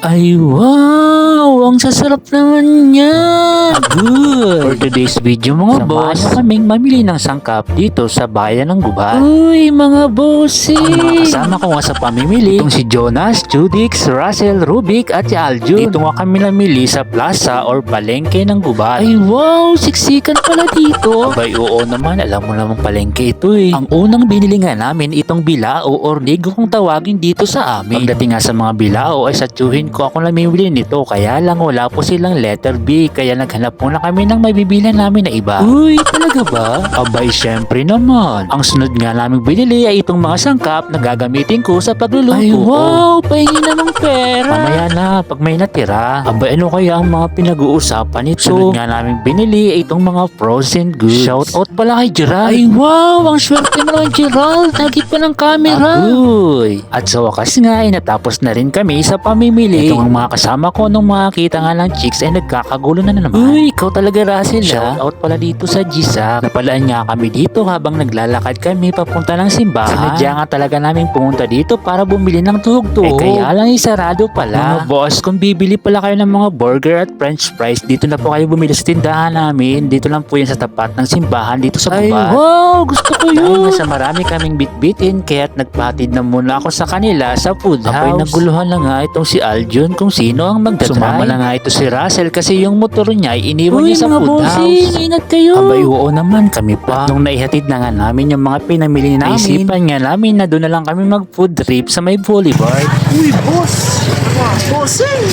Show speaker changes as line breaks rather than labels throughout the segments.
Ay wow! Ang sasarap naman niya! Good! For today's video mga boss, samahan nyo kaming mamili ng sangkap dito sa bayan ng Gubat. Uy mga bossy! Ang mga kasama ko nga sa pamimili, itong si Jonas, Judix, Russell, Rubik at si Aljun. Dito nga kami namili sa plaza or palengke ng Gubat. Ay wow! Siksikan pala dito! Abay oo naman, alam mo naman palengke ito eh. Ang unang binili nga namin itong bilao or nigo kung tawagin dito sa amin. Pagdating nga sa mga bilao ay sa tsuhin ko ako namimili nito, kaya lang wala po silang letter B, kaya naghanap muna kami ng mabibilan namin na iba. Uy, talaga ba? Abay syempre naman. Ang sunod nga namin binili ay itong mga sangkap na gagamitin ko sa pagluluto. Ay wow, pahingi na ng pera. Mamaya na, pag may natira. Abay ano kaya ang mga pinag-uusapan nito? Sunod nga namin binili ay itong mga frozen goods. Shout out pala kay Gerald. Ay wow, ang swerte mo naman Gerald. Nagit pa ng camera. Agoy. At sa wakas nga ay natapos na rin kami sa pamimili. Itong ang mga kasama ko nung makakita nga ng chicks ay nagkakagulo na naman. Uy, ikaw talaga Russell. Shout out pala dito sa Gisak. Napalaan nga kami dito habang naglalakad kami papunta ng simbahan. Sinadya nga talaga namin pumunta dito para bumili ng tuhog-tuhog. Kaya lang isarado pala. Mga boss, kung bibili pala kayo ng mga burger at french fries, dito na po kayo bumili sa tindahan namin. Dito lang po yan sa tapat ng simbahan dito sa Gubat. Ay wow, gusto ko yun. Dahil nga sa marami kaming bitbitin, kaya't nagpatid na muna ako sa kanila sa food house. Abay naguluhan na nga itong si Aljun kung sino ang magdadrive. Sumama na nga ito si Russell kasi yung motor niya ay iniwan niya sa food house. Ingat kayo. Abay oo naman kami pa. Nung naihatid na nga namin yung mga pinamili namin, isipan nga namin na doon na lang kami mag food trip sa may boulevard.
Uy, boss! Bossing!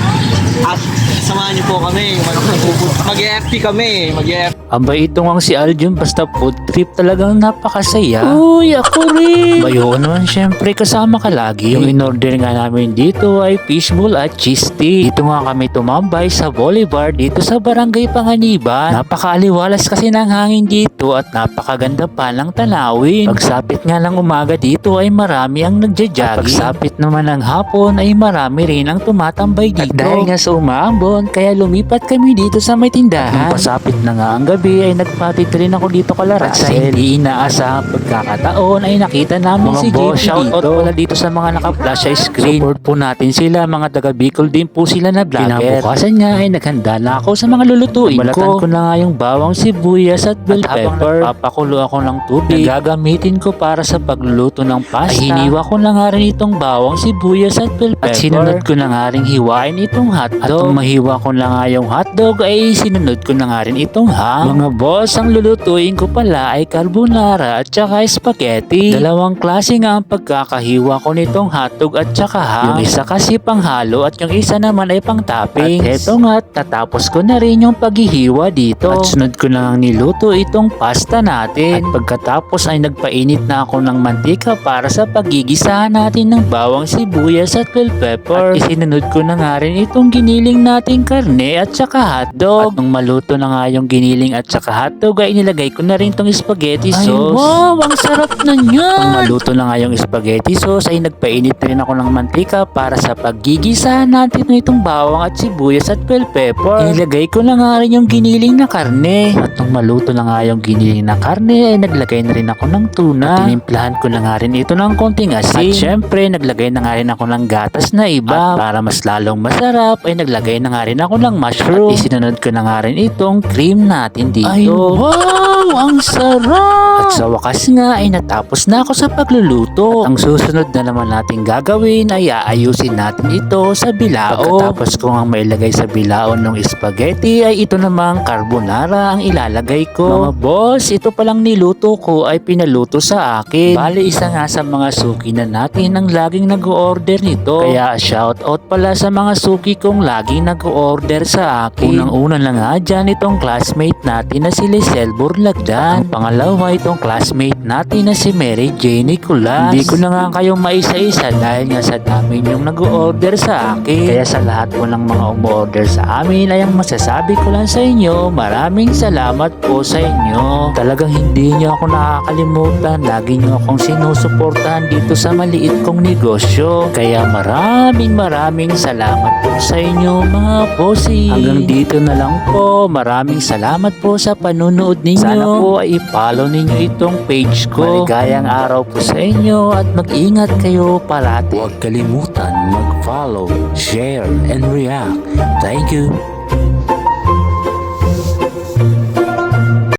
At samahan niyo po kami. Mag-EFT kami. Mag-EFT.
Abay ito nga si Aljun, basta food trip talagang napakasaya. Uy, ako rin. Bayo naman syempre kasama ka lagi. Yung in-order nga namin dito ay fishbowl at cheese stick. Dito nga kami tumambay sa boulevard dito sa Barangay Panganiban. Napakaaliwalas kasi ng hangin dito at napakaganda pa ng tanawin. Pagsapit nga ng umaga dito ay marami ang nagja-jogging. At pagsapit naman ng hapon ay marami rin ang tumatambay dito. At dahil nga sa umaambon, kaya lumipat kami dito sa may tindahan. Nung pasapit na nga ang gabi ay nagpatid rin ako dito kala Russell. At sa hindi inaasahang pagkakataon ay nakita namin mga si JP dito. Shoutout pala dito sa mga naka-flash screen. Support po natin sila, mga taga Bicol din po sila na vlogger. Kinabukasan nga ay naghanda na ako sa mga lulutuin ko. Balatan ko na nga yung bawang sibuyas at bell pepper. Papakulo ako ng tubig na gagamitin ko para sa pagluluto ng pasta. Ay hiniwa ko na nga rin itong bawang sibuyas at bell pepper. At sinunod ko na nga rin hiwain itong hotdog. At nung mahiwa ko na nga yung hotdog ay sinunod ko na nga rin itong ham. Mga boss, ang lulutuin ko pala ay carbonara at saka spaghetti. Dalawang klase nga ang pagkakahiwa ko nitong hotdog at saka ham. Yung isa kasi panghalo at yung isa naman ay pang toppings. At eto nga, tatapos ko na rin yung paghihiwa dito. At sunod ko na nga niluto itong pasta natin. At pagkatapos ay nagpainit na ako ng mantika para sa pagigisahan natin ng bawang sibuyas at bell pepper. At isinunod ko na nga rin itong giniling nating karne at saka hotdog. At nung maluto na nga yung giniling at saka hotdog ay inilagay ko na rin tong spaghetti sauce. Ay wow, ang sarap na niyan! Nung maluto na nga yung spaghetti sauce ay nagpainit rin ako ng mantika para sa paggigisahan natin itong bawang at sibuyas at bell pepper. Inilagay ko na nga rin yung giniling na karne. At nung maluto na nga yung giniling na karne ay naglagay na rin ako ng tuna. At tinimplahan ko na nga rin ito ng konting asin. At syempre naglagay na nga rin ako ng gatas na iba. At para mas lalong masarap ay naglagay na nga rin ako ng mushroom. At isinunod ko na nga rin itong cream natin dito. Ay wow, ang sarap! At sa wakas nga ay natapos na ako sa pagluluto. At ang susunod na naman natin gagawin ay aayusin natin ito sa bilao. Pagkatapos ko nga mailagay sa bilao ng spaghetti ay ito namang carbonara ang ilalagay ko. Mga boss, ito palang niluto ko ay pinaluto sa akin. Bali isa nga sa mga suki na natin ang laging nag-order nito. Kaya shout out pala sa mga suki kong laging nag-order sa akin. Unang-una na nga dyan itong classmate natin na si Lisel Burlagdan. Ang pangalawa itong classmate natin na si Mary Jane Nicolas. Hindi ko na nga kayo maisa-isa dahil nga sa dami yung nag-order sa akin. Kaya sa lahat po ng mga umorder sa amin ay ang masasabi ko lang sa inyo, maraming salamat po sa inyo. Talagang hindi nyo ako nakakalimutan. Lagi nyo akong sinusuportahan dito sa maliit kong negosyo. Kaya maraming salamat po sa inyo mga bossy. Hanggang dito na lang po. Maraming salamat po po sa panunood ninyo. Sana po ay i-follow ninyo itong page ko. Maligayang araw po sa inyo at mag-ingat kayo palati. Huwag kalimutan mag-follow, share, and react. Thank you.